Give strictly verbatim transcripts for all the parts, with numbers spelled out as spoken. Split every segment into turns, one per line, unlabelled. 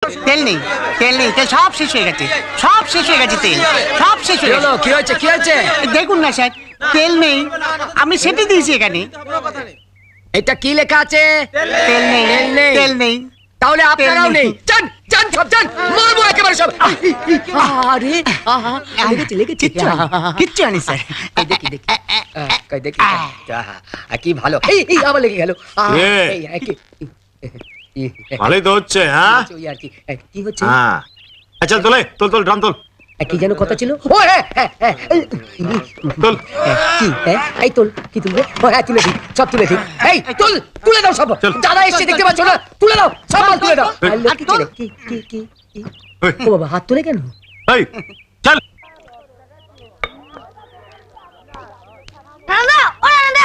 তেল নেই, তেল নেই, তেল সব শেষ হয়ে গেছে, সব শেষ হয়ে গেছে, তেল সব শেষ হয়ে গেছে।
কি হয়েছে কি হয়েছে
দেখুন না স্যার, তেল নেই, আমি সেটি দিয়েছি এখানে।
এটা কি লেখা আছে?
তেল নেই,
তেল নেই।
তেল নেই।
তাহলে আপনারাও নেই। যান যান সব যান, মারবো একেবারে সব। আরে আহা লেগেছে লেগেছে।
কিচ্ছু আনি, কিচ্ছু আনি স্যার।
এই দেখি দেখি কই দেখি। আহ, কি ভালো। এই এই আবার লেগে গেল। আহ,
এ।
এই, এই, কি- এই,
ভালোই তো হচ্ছে, হ্যাঁ
ওই আর কি। এই, কি হচ্ছে?
হ্যাঁ আচ্ছা তোলে, তোল তোল ড্রাম তোল
এই, কি যেন কথা ছিল? ও হ্যাঁ হ্যাঁ হ্যাঁ এই,
তোল।
কি হ্যাঁ এই তোল, কি তুলবে? ও হ্যাঁ তুলে দিই, সব তুলে দিই। এই তুল, তুলে দাও সব।
চল।
দাদা এসে দেখতে পাচ্ছ না? তুলে দাও সব মাল তুলে দাও। আর লক্ষ্মী ছেলে, কি কি কি কি?
ওই,
ও বাবা হাত তুলে কেন?
এই, চল।
রান্দা ও রান্দা,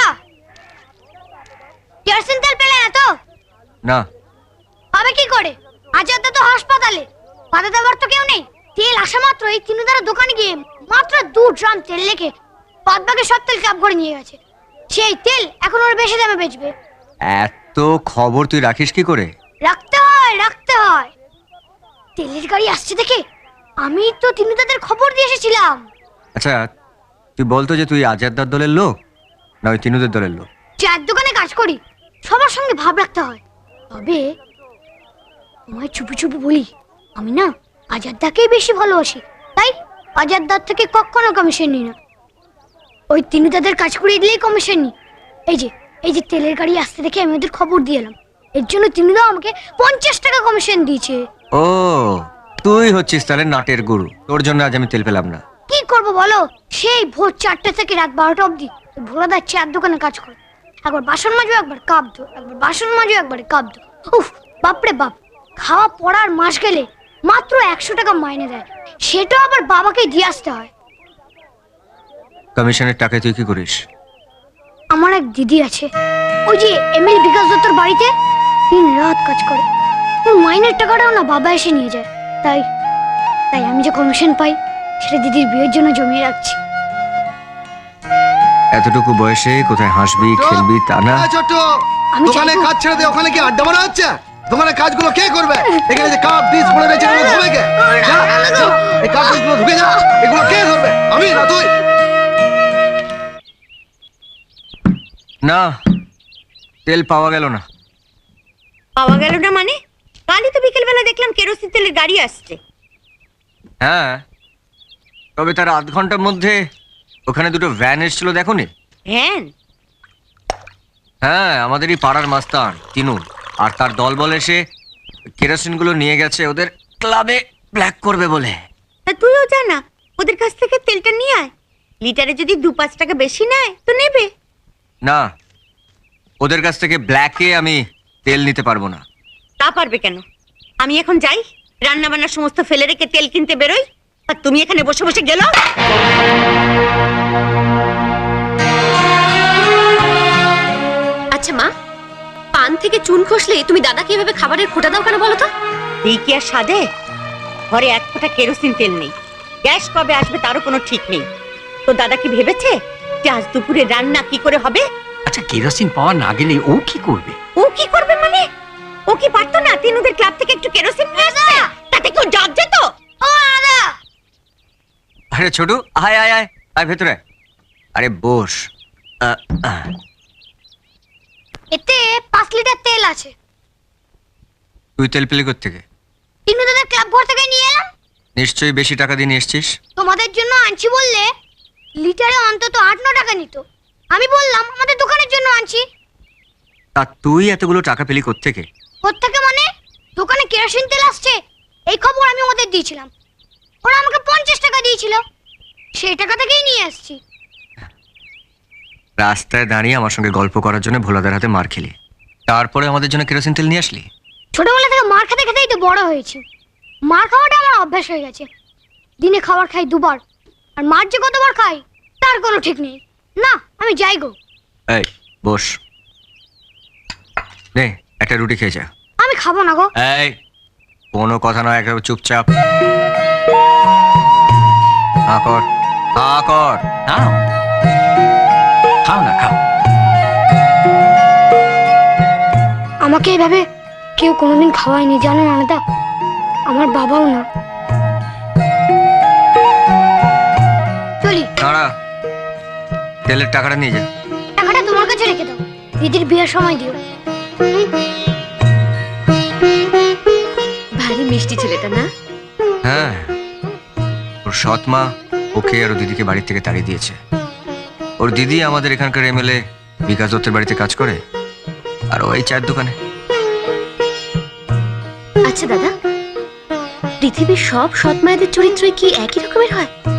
কেরোসিন তেল পেলে না তো?
না।
হবে কি করে? আজাদা তো হাসপাতালে, বাধা দেওয়ার তো কেউ নেই। তেল আসা মাত্র এই তিনুদার দোকানে গিয়ে মাত্র দু ড্রাম তেল লেখে বাদবাকি সব তেল ক্যাব করে নিয়ে গেছে। সেই তেল এখন ওর বেশি দামে বেচবে।
এত খবর তুই রাখিস কি করে?
রাখতে হয় রাখতে হয়। তেলের গাড়ি আসছে দেখে আমি তো তিনুদাদের খবর দিয়ে এসেছিলাম।
আচ্ছা তুই বলতো যে তুই আজাদদার দলের লোক না ওই তিনুদের দলের লোক?
চায়ের দোকানে কাজ করি, সবার সঙ্গে ভাব রাখতে হয়। তবে তোমায় চুপি চুপি বলি, আমি না আজাদদাকেই বেশি ভালোবাসি, তাই আজাদদার থেকে কখনো কমিশন নিই না। ওই তিনুদাদের কাজ করিয়ে দিলেই কমিশন নিই। এই যে এই যে তেলের গাড়ি আসতে দেখে আমি ওদের খবর দিয়ে এলাম, এর জন্য তিনুদা আমাকে পঞ্চাশ টাকা কমিশন দিয়েছে।
ও তুই হচ্ছিস তাহলে নাটের গুরু, তোর জন্য আজ আমি তেল পেলাম না।
কি করবো বলো, সেই ভোর চারটে থেকে রাত বারোটা অবধি ভোলাদার চায়ের দোকানে কাজ করে। একবার বাসন মাজো, একবার কাপ ধো, একবার বাসন মাজো, একবার কাপ ধো। উফ বাপরে বাপ, খাওয়া পড়ার মাস গেলে মাত্র একশো টাকা মাইনে দেয়, সেটাও আবার বাবাকে দিয়ে আসতে হয়।
কমিশনের টাকায় তুই কি করিস?
আমার এক দিদি আছে, ওই যে এমএল বিকাশ দত্তর বাড়িতে দিন রাত কাজ করে। ওর মাইনের টাকাটাও না বাবা এসে নিয়ে যায়। তাই তাই আমি যে কমিশন পাই সেটা দিদির বিয়ের জন্য জমিয়ে রাখছি।
এতটুকু বয়সে কোথায় হাসবি খেলবি তা না।
ছোট
আমি
দোকানে
চাইবো-
কাজ ছেড়ে দে, ওখানে কি আড্ডা মারা হচ্ছে? দোকানে কাজগুলো কে করবে? এখানে যে কাপ ডিশ পড়ে রয়েছে এগুলো ধোবে কে? যা, যা, এই কাপ ডিশগুলো ধুকে যা, এগুলো কে ধরবে? আমি না তুই?
না তেল পাওয়া গেল না।
পাওয়া গেল না মানে? কালই তো বিকেলবেলা দেখলাম কেরোসিন তেলের গাড়ি আসছে।
হ্যাঁ তবে তার আধ ঘন্টার মধ্যে ওখানে দুটো ভ্যান এসেছিল দেখোনি?
ভ্যান?
হ্যাঁ আমাদেরই পাড়ার মাস্তান তিনু আর তার দলবল এসে কেরোসিন গুলো নিয়ে গেছে ওদের ক্লাবে ব্ল্যাক করবে বলে।
তা তুইও জানা ওদের কাছ থেকে তেলটা নিয়ে আয়, লিটারে যদি দু পাঁচ টাকা বেশি নেয় তো নেবে।
না ওদের কাছ থেকে ব্ল্যাকে আমি তেল নিতে পারবো না।
তা পারবে কেন? আমি এখন যাই, রান্না বান্নার সমস্ত ফেলে রেখে তেল কিনতে বেরোই, আর তুমি এখানে বসে বসে গেল।
আচ্ছা মা, পান থেকে চুন খসলে তুমি দাদাকে এভাবে খাবারের খোঁটা দাও কেন বলো তো?
এই কি আর সাদে? ঘরে এক ফোঁটা কেরোসিন তেল নেই, গ্যাস কবে আসবে তারও কোনো ঠিক নেই। তো দাদা কি ভেবেছে যে আজ দুপুরে রান্না কি করে হবে?
আচ্ছা কেরোসিন পাওয়া না গেলে ও কি করবে?
ও কি করবে মানে? ও কি পারতো না তিনুদের ক্লাব থেকে একটু কেরোসিন নিয়ে আসতে? তাতে কেউ জাগ যেত?
ও দাদা,
আরে ছোটু আয় আয় আয় আয় ভেতরে আয়। আরে বস। আহ, আহ।
এতে পাঁচ লিটার তেল আছে।
তুই তেল পেলি কোত্থেকে?
তিনুদাদের ক্লাব ঘর থেকে নিয়ে এলাম।
নিশ্চয়ই বেশি টাকা দিয়ে নিয়ে এসছিস।
তোমাদের জন্য আনছি বললে লিটারে অন্তত আট ন টাকা নিত। আমি বললাম আমাদের দোকানের জন্য আনছি।
তা তুই এতগুলো টাকা পেলি কোত্থেকে?
কোত্থেকে মানে? দোকানে কেরোসিন তেল আসছে এই খবর আমি ওদের দিয়েছিলাম, ওরা আমাকে পঞ্চাশ টাকা দিয়েছিল, সেই টাকা থেকেই নিয়ে আসছি।
রাস্তায় দাঁড়িয়ে আমার সঙ্গে গল্প করার জন্য ভোলাদার হাতে মার খেলি, তারপরে আমাদের জন্য কেরোসিন তেল নিয়ে আসলি?
ছোটবেলা থেকে মার খেতে খেতেই তো বড় হয়েছি, মার খাওয়াটা আমার অভ্যাস হয়ে গেছে। দিনে খাবার খাই দুবার, আর মার যে কতবার খাই তার কোনো ঠিক নেই। না আমি যাই গো।
এই বস, নে একটা রুটি খেয়ে যা।
আমি খাবো না গো।
এই কোনো কথা নয়, একেবারে চুপচাপ হা কর, হা কর।
নাও খাও না খাও।
আমাকে এভাবে কেউ কোনোদিন খাওয়ায়নি জানেন আলাদা। আমার বাবাও না। চলি।
দাঁড়া, তেলের টাকাটা নিয়ে যা।
টাকাটা তোমার কাছে রেখে দাও, দিদির বিয়ের সময় দিও।
ভারী মিষ্টি ছেলেটা না?
হ্যাঁ, ওর সৎ মা ওকে আর ওর দিদিকে বাড়ি থেকে তাড়িয়ে দিয়েছে। ওর দিদি আমাদের এখানকার এমএলএ বিকাশ দত্তের বাড়িতে কাজ করে, আর ও এই চায়ের দোকানে।
আচ্ছা দাদা, পৃথিবীর সব সৎ মায়েদের চরিত্রই কি একই রকমের হয়?